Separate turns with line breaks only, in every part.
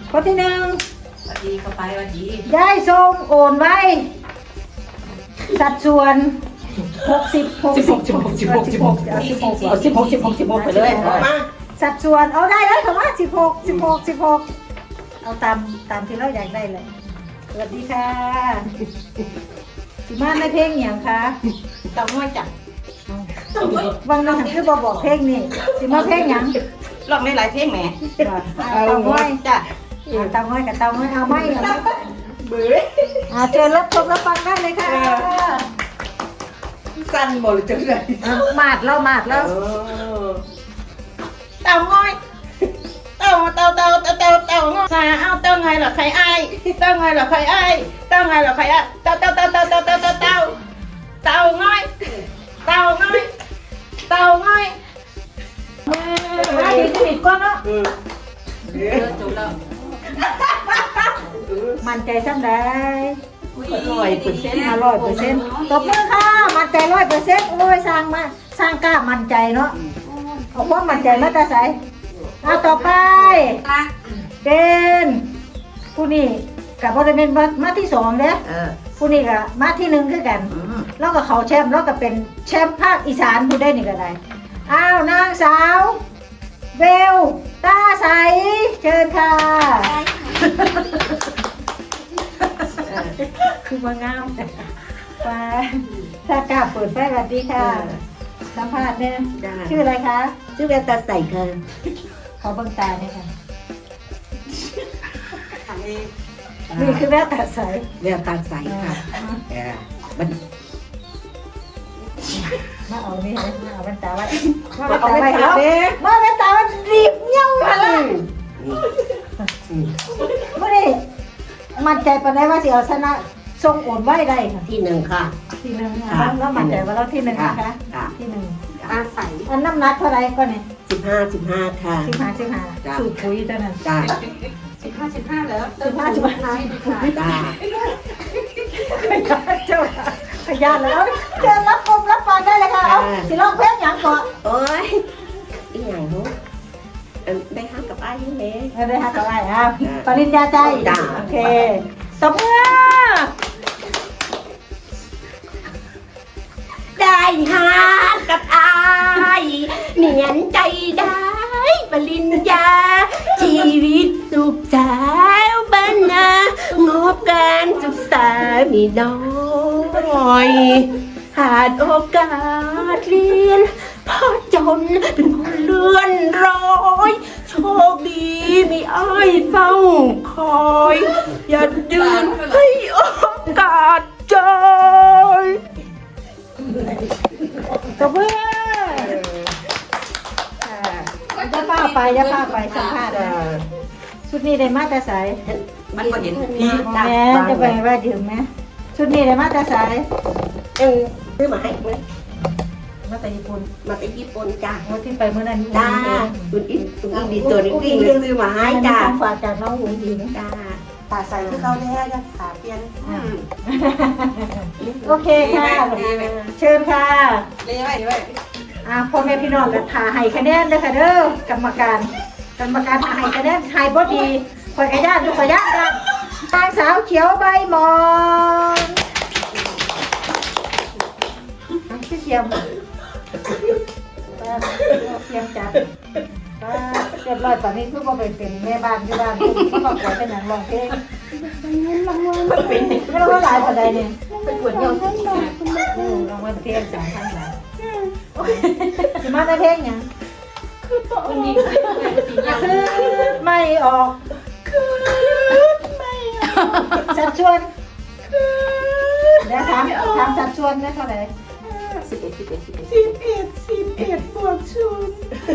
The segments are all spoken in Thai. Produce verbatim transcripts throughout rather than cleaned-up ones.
คนที่หนึ่ง
สวัสดีเข้าไปสวัสดี
ยายทรงโอนไว้สัดส่วนหกสิบหกสิบสิบหกสิบหกสิบหกสิบหก
เอาสิบหกสิบหกสิบหกไปเลยมา
สัดส่วนเอาได้แล้วค่ะว่าสิบหกสิบหกสิบหกเอาตามตามที่เราอยากได้เลยสวัสดีค่ะสิมาในเพลงอย่างคะตำน้อยจังบางน้องคือบอกบอกเพลงนี่สิมาเพลงอย่าง
ลองได้หลายเพลงแหม
ตำน้อย
จ้ะ
ตำน้อยกับตำน้อยเอาไหม
เบื่อ
อาเชิญรับชมรับฟังได้เลยค่ะ
สั้นหมดเลยจังเลย
มาดแล้วมาดแล้ว
เต่าง้อยเต่าเต่าเต่าเต่าเต่าเต่าง้อยเอาเต่าไงเหรอใครไอ้เต่าไงเหรอใครไอ้เต่าไงเหรอใครไอ้เต่าเต่าเต่าเต่าเต่าเต่าเต่าเต่าเต่าง้อยเต่าง้อยเต่าง้อย
มาดีสนิทก่อนเนาะ
จบแล้ว
มั่นใจซ้ำได้
ร้อยเปอร์เซ็นต์
ห้าร้อยเปอร์เซ็นต์ตบมือค่ะมั่นใจร้อยเปอร์เซ็นต์โอ้ยสร้างมาสร้างกล้ามั่นใจเนาะเอาความมั่นใจมาแต่ใส่เอาต่อไปเป็นผู้นี้กับบริเวณมาที่สองเด้
เออ
ผู้นี้กับมาที่หนึ่งคือกัน แล้วก็เขาแชมป์แล้วก็เป็นแชมป์ภาคอีสานผู้ได้นี่ก็ได้อ้าวนางสาวเบลตาใสเชิญค่ะคือมางามป้าถ้ากล้าเปิดไฟสวัสดีค่ะสัมภาษณ์เนี่ยชื่ออะไรคะ
ชื่อแววตาใสค่ะ
ขอเบิ่งตาเนี่ยค่ะนี่คือแววตาใส
แววตาใสค่ะเออมัน
มาเอานี่นะมาเอาแว่นตาไว้มา
เอา
แว่น
ไป
ตา
หา
ไว้
เด้
มาแว่นตามันรีบเงี้ยวมาละไม่ได้มั่นใจปานใดว่าสิเอาชนะทรงโอนไว้ได้ค่ะ
ที่หนึ่งค่ะ
ที่หนึ่งค่ะแล้วมั่นใจว่าเราที่หนึ่งนะคะ
ค่ะ
ที่หนึ่ง
ตาใส
อันน้ำหนักเท่าไรก็เนี่ย
สิบห้าสิบห้าค่ะ
สิบห้าสิบห้า
จ้ะ
สูตรปุ๋ยเท่านั้น
จ้า
สิบห้าสิบห้าแล้ว
สิบห้าสิบห้า
จ้า
เจ้าขยันแล้วเชิญรับชมรับฟังได้เลยค่ะเอาสิลองเพลงอย่างก่อน
โอ้ยอีหยังหูได้ห้ามกับไอ้ยังไง
ไม่ได้ฮักกับอะไรอ่ะปริญญาใจ
จ้ะ
โอเคตบมือ
ได้หากับไอ้เนียนใจได้ปริญญา ชีวิตสุขสาวบ้านนางบการศึกษามีน้อยขาดโอกาสเรียนพ่อจนเป็นคนเลื่อนร้อยโชคดีมีอ้ายเฝ้าคอย อย่าดืนให้โอกาสใจ
ตบมือจะพาไปจะพาไปสัมภาษณ์นะชุดนี้ได้มาแต่สาย
มันก็เห็นพี่
แม่จะไปว่าดื่มไหมชุดนี้ได้มาแต่สาย
เออซื้อมาให้ไหม
มาแต่ญี่ปุ่น
มาจากญี่ปุ่นจ้า
วันที่ไปเมื่อนั้น
จ้าคุณอินคุณอินดีตัวนี้วิ่งเลยซื้อมาให้จ้า
ฝากจากน้องอุ้งอิง
จ้า
ตาใสที่เขาแล้วจะขาเปลี่ยน
โอเคค่ะเชิญค่ะ
เลยไว้เลย
อ่าพ่อแม่พี่น้องกันทาให้คะแนนเลยค่ะเด้อกรรมการกรรมการทาให้คะแนนให้บ่ดีคอยกระยานทุกกระยานกันนางสาวเขียวใบหมอนชื่อเทียมเทียมจัดเรียบร้อยตอนนี้คือว่าไปเป็นแม่บ้านที่บ้านก็บอกว่าเป็นหนังร้องเพลงรางวัลไม่รู้ว่าหลายคนใดเนี่ย
เป็นปวดเยี่ยว
รางวัลเพลงสามพันบาทจะมาได้เพลงยัง
วันนี้
คือไม่ออกสัดส่วนเดี๋ยวถามถามสัดส่วนได้เท่าไหร่
สิบเอ็ดสิบเอ็ดสิบเอ็ด
สิบเอ็ดสิบเอ็ดบวกศูนย์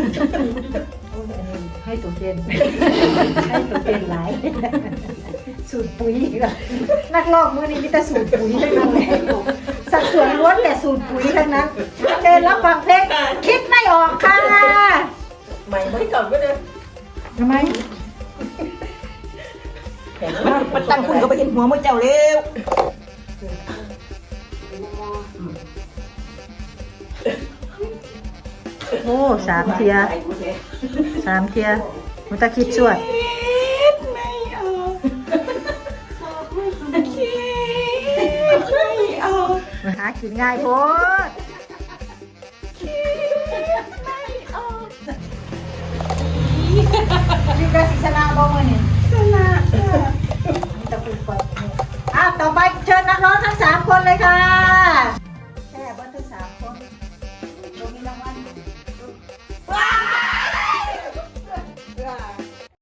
ให้ตัวเจนให้ตัวเจนหลายสูตรปุ๋ยอีกแล้วนักลอกมือนี้มีแต่สูตรปุ๋ยทั้งนั้นเลยสัดส่วนล้วนแต่สูตรปุ๋ยทั้งนั้นเจนรับฟังเพลงคิดไม่ออกค่ะ
ใหม่ไม่ก่อนก็เดิน
ทำไม
มันตั้งคุณก็ไปเห็นหัวมือเจ้าเร็ว
โอ้สามเทียสามเทียมุตะคิดสวด
ไม่อ
กินง่ายโพดนี่ก็สิส